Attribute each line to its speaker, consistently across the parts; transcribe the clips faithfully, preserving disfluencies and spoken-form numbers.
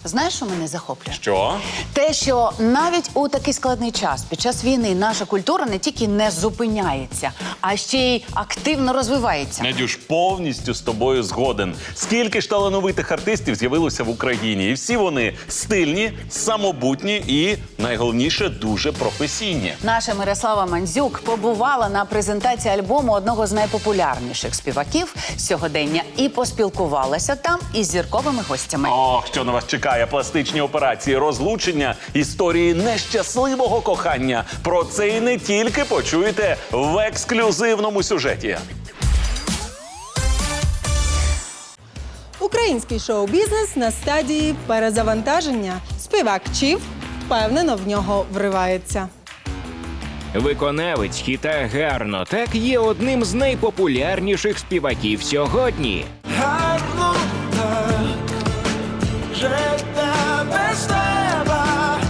Speaker 1: Знаєш, що мене захоплює?
Speaker 2: Що?
Speaker 1: Те, що навіть у такий складний час, під час війни, наша культура не тільки не зупиняється, а ще й активно розвивається.
Speaker 2: Надюш, повністю з тобою згоден. Скільки ж талановитих артистів з'явилося в Україні? І всі вони стильні, самобутні і, найголовніше, дуже професійні.
Speaker 1: Наша Мирослава Мандзюк побувала на презентації альбому одного з найпопулярніших співаків сьогодення і поспілкувалася там із зірковими гостями.
Speaker 2: Ох, що на вас чекає? Пластичні операції, розлучення, історії нещасливого кохання. Про це і не тільки почуєте в ексклюзивному сюжеті.
Speaker 3: Український шоу-бізнес на стадії перезавантаження. Співак Чів впевнено в нього вривається.
Speaker 4: Виконавець хіта «Гарно так» є одним з найпопулярніших співаків сьогодні.
Speaker 5: Гарно так, життя без тебе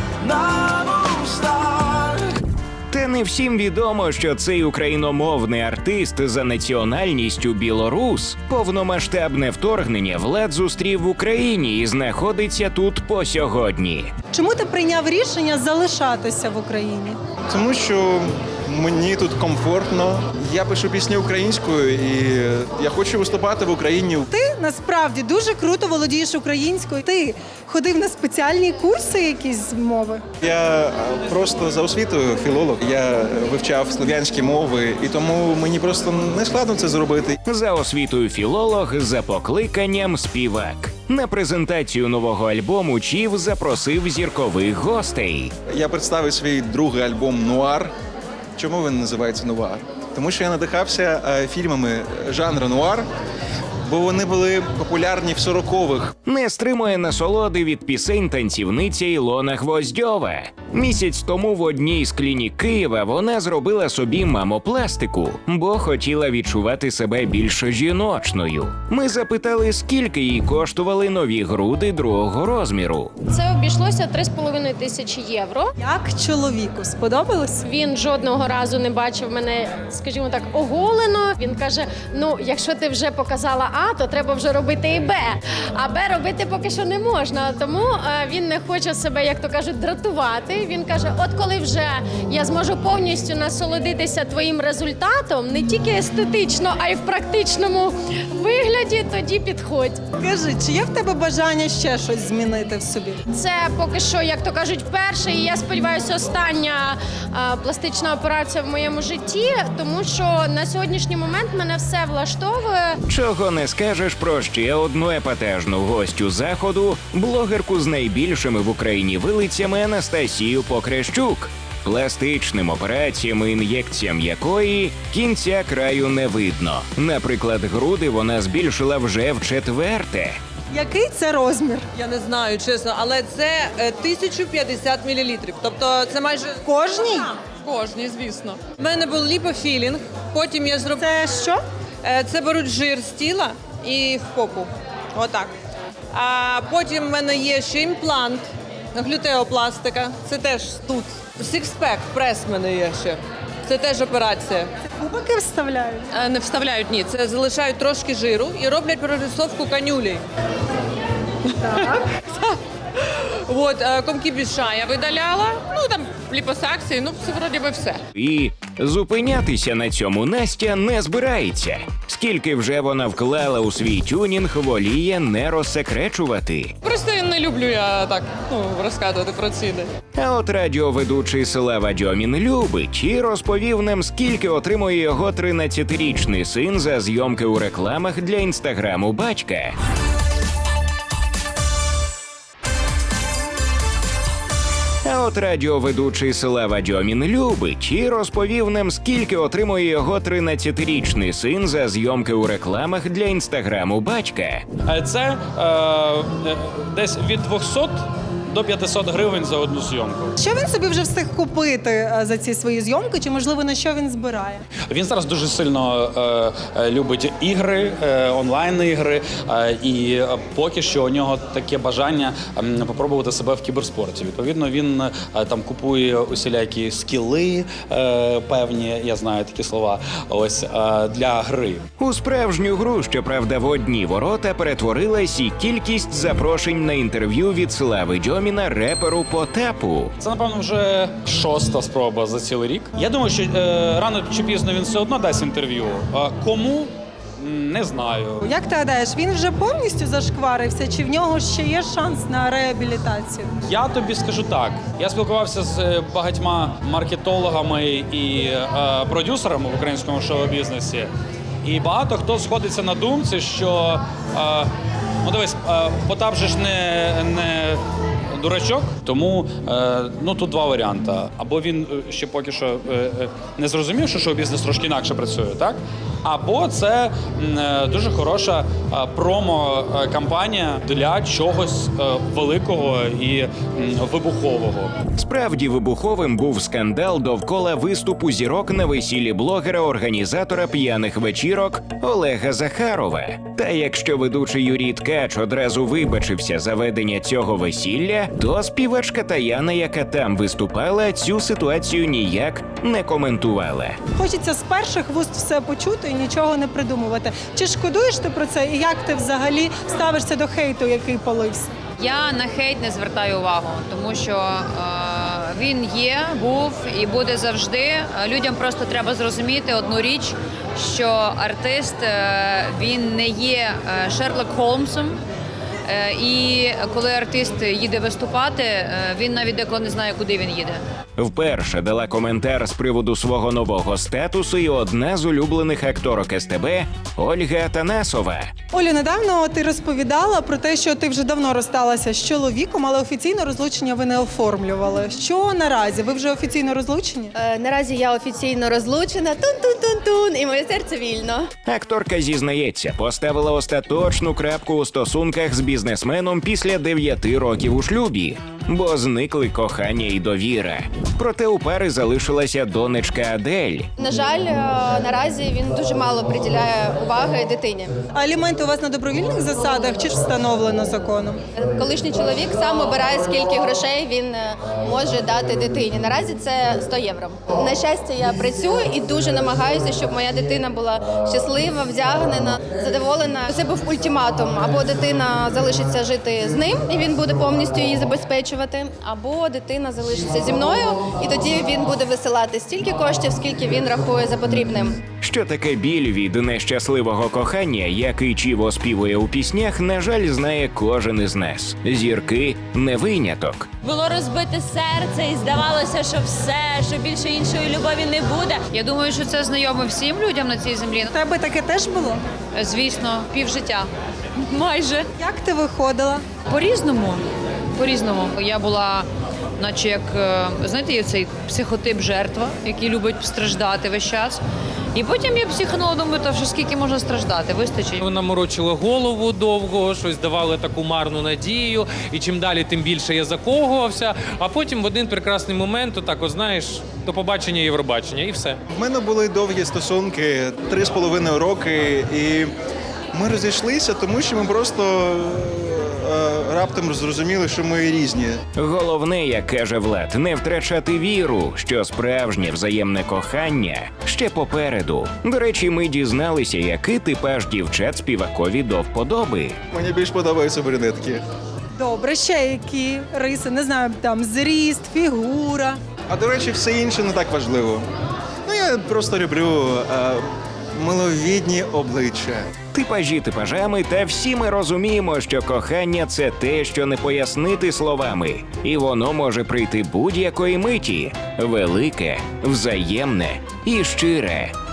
Speaker 5: на вустах.
Speaker 4: Та не всім відомо, що цей україномовний артист за національністю білорус повномасштабне вторгнення влад зустрів в Україні і знаходиться тут по сьогодні.
Speaker 3: Чому ти прийняв рішення залишатися в Україні?
Speaker 6: Тому що мені тут комфортно. Я пишу пісні українською і я хочу виступати в Україні.
Speaker 3: Ти насправді дуже круто володієш українською. Ти ходив на спеціальні курси якісь з мови?
Speaker 6: Я просто за освітою філолог. Я вивчав слов'янські мови, і тому мені просто не складно це зробити.
Speaker 4: За освітою філолог, за покликанням співак. На презентацію нового альбому Чів запросив зіркових гостей.
Speaker 6: Я представив свій другий альбом «Нуар». Чому він називається «Нуар»? Тому що я надихався е, фільмами жанру нуар, бо вони були популярні в сорокових.
Speaker 4: Не стримує насолоди від пісень танцівниця Ілона Гвоздьова. Місяць тому в одній з клінік Києва вона зробила собі мамопластику, бо хотіла відчувати себе більш жіночною. Ми запитали, скільки їй коштували нові груди другого розміру.
Speaker 7: Це обійшлося три з половиною тисячі євро.
Speaker 3: Як чоловіку сподобалось?
Speaker 7: Він жодного разу не бачив мене, скажімо так, оголено. Він каже: ну, якщо ти вже показала А, то треба вже робити і Б. А Б робити поки що не можна. Тому е, він не хоче себе, як то кажуть, дратувати. Він каже: от коли вже я зможу повністю насолодитися твоїм результатом, не тільки естетично, а й в практичному вигляді, тоді підходь.
Speaker 3: Скажи, чи є в тебе бажання ще щось змінити в собі?
Speaker 7: Це поки що, як то кажуть, вперше, і я сподіваюся, остання а, пластична операція в моєму житті, тому що на сьогоднішній момент мене все влаштовує.
Speaker 4: Чого не скажеш про ще одну епатажну гостю заходу, блогерку з найбільшими в Україні вилицями Анастасію Покрещук, пластичним операціям і ін'єкціям якої кінця краю не видно. Наприклад, груди вона збільшила вже вчетверте.
Speaker 3: Який це розмір?
Speaker 8: Я не знаю, чесно, але це е, тисяча п'ятдесят мілілітрів. Тобто це майже
Speaker 3: Кожній?
Speaker 8: кожній, звісно. У мене був ліпофілінг, потім я зробила...
Speaker 3: Це що?
Speaker 8: Е, це беруть жир з тіла і в попу. Отак. А потім в мене є ще імплант, глютеопластика. Це теж тут. Сікспек, прес в мене є ще. Це теж операція.
Speaker 3: Кубики вставляють?
Speaker 8: Е, не вставляють, ні. Це залишають трошки жиру і роблять прорисовку канюлі.
Speaker 3: Так.
Speaker 8: От, е, комки біша я видаляла, ну там ліпосакції, ну це вроді би все.
Speaker 4: І зупинятися на цьому Настя не збирається. Скільки вже вона вклала у свій тюнінг, воліє не розсекречувати.
Speaker 8: Просто не люблю я так, ну, розказувати про ціни.
Speaker 4: А от радіоведучий Слава Дьомін любить і розповів нам, скільки отримує його тринадцятирічний син за зйомки у рекламах для інстаграму батька. А от радіоведучий Слава Дьомін любить і розповів нам, скільки отримує його тринадцятирічний син за зйомки у рекламах для інстаграму батька.
Speaker 9: Це е, десь від двохсот до п'ятсот гривень за одну зйомку.
Speaker 3: Що він собі вже встиг купити е, за ці свої зйомки, чи можливо на що він збирає?
Speaker 9: Він зараз дуже сильно е, е, любить ігри, е, онлайн-ігри, е, і е, поки що у нього таке бажання е, попробувати себе в кіберспорті. Відповідно, він е, там купує усілякі скіли е, певні, я знаю такі слова, ось, е, для гри.
Speaker 4: У справжню гру, щоправда, в одні ворота перетворилась і кількість запрошень на інтерв'ю від Слави Дьоміна реперу Потапу.
Speaker 9: Це, напевно, вже шоста спроба за цілий рік. Я думаю, що е, рано чи пізно він все одно дасть інтерв'ю. А кому? Не знаю.
Speaker 3: Як ти гадаєш, він вже повністю зашкварився, чи в нього ще є шанс на реабілітацію?
Speaker 9: Я тобі скажу так. Я спілкувався з е, багатьма маркетологами і е, продюсерами в українському шоу-бізнесі. І багато хто сходиться на думці, що е, ну дивись, е, Потап же ж не, не дурачок, тому е, ну тут два варіанти. Або він е, ще поки що е, е, не зрозумів, що шоу-бізнес трошки інакше працює, так? Або це е, дуже хороша е, промо-кампанія для чогось е, великого і е, вибухового.
Speaker 4: Справді вибуховим був скандал довкола виступу зірок на весіллі блогера-організатора п'яних вечірок Олега Захарова. Та якщо ведучий Юрій Ткач одразу вибачився за ведення цього весілля, то співачка Таяна, яка там виступала, цю ситуацію ніяк не коментувала.
Speaker 3: Хочеться з перших вуст все почути і нічого не придумувати. Чи шкодуєш ти про це, і як ти взагалі ставишся до хейту, який полився?
Speaker 10: Я на хейт не звертаю увагу, тому що е, він є, був і буде завжди. Е, Людям просто треба зрозуміти одну річ, що артист е, він не є е, Шерлок Холмсом. Е, І коли артист їде виступати, е, він навіть деколи не знає, куди він їде.
Speaker 4: Вперше дала коментар з приводу свого нового статусу і одна з улюблених акторок ес те бе Ольга Атанасова.
Speaker 3: Олю, недавно ти розповідала про те, що ти вже давно розсталася з чоловіком, але офіційно розлучення ви не оформлювали. Що наразі? Ви вже офіційно розлучені?
Speaker 11: Е, наразі я офіційно розлучена, тун-тун-тун-тун, і моє серце вільно.
Speaker 4: Акторка зізнається, поставила остаточну крапку у стосунках з бізнесменом після дев'яти років у шлюбі, бо зникли кохання і довіра. Проте у пари залишилася донечка Адель.
Speaker 11: На жаль, е, наразі він дуже мало приділяє уваги дитині.
Speaker 3: А аліменти у вас на добровільних засадах чи ж встановлено законом?
Speaker 11: Колишній чоловік сам обирає, скільки грошей він е, може дати дитині. Наразі це сто євро. На щастя, я працюю і дуже намагаюся, щоб моя дитина була щаслива, вдягнена, задоволена. Це був ультиматум. Або дитина залишиться жити з ним, і він буде повністю її забезпечувати, або дитина залишиться зі мною, і тоді він буде висилати стільки коштів, скільки він рахує за потрібним.
Speaker 4: Що таке біль від нещасливого кохання, який Чіво співує у піснях, на жаль, знає кожен із нас. Зірки – не виняток.
Speaker 12: Було розбите серце і здавалося, що все, що більше іншої любові не буде.
Speaker 10: Я думаю, що це знайомо всім людям на цій землі.
Speaker 3: У тебе таке теж було?
Speaker 10: Звісно, півжиття. Майже.
Speaker 3: Як ти виходила?
Speaker 10: По-різному. По-різному. Я була, наче як, е, знаєте, є цей психотип жертва, який любить страждати весь час. І потім я психанула, думаю, та що скільки можна страждати, вистачить.
Speaker 13: Вона морочила голову довго, щось давали таку марну надію, і чим далі, тим більше я закохувався, а потім в один прекрасний момент, отак, от, знаєш, до побачення Євробачення, і все.
Speaker 6: В мене були довгі стосунки, три з половиною роки, і ми розійшлися, тому що ми просто е, раптом зрозуміли, що ми різні.
Speaker 4: Головне, як каже Влад, не втрачати віру, що справжнє взаємне кохання ще попереду. До речі, ми дізналися, який типаж дівчат співакові до вподоби.
Speaker 6: Мені більш подобаються брюнетки.
Speaker 3: Добре, ще які риси, не знаю, там зріст, фігура.
Speaker 6: А до речі, все інше не так важливо. Ну, я просто люблю е, миловідні обличчя.
Speaker 4: Типажі типажами, та всі ми розуміємо, що кохання – це те, що не пояснити словами. І воно може прийти будь-якої миті. Велике, взаємне і щире.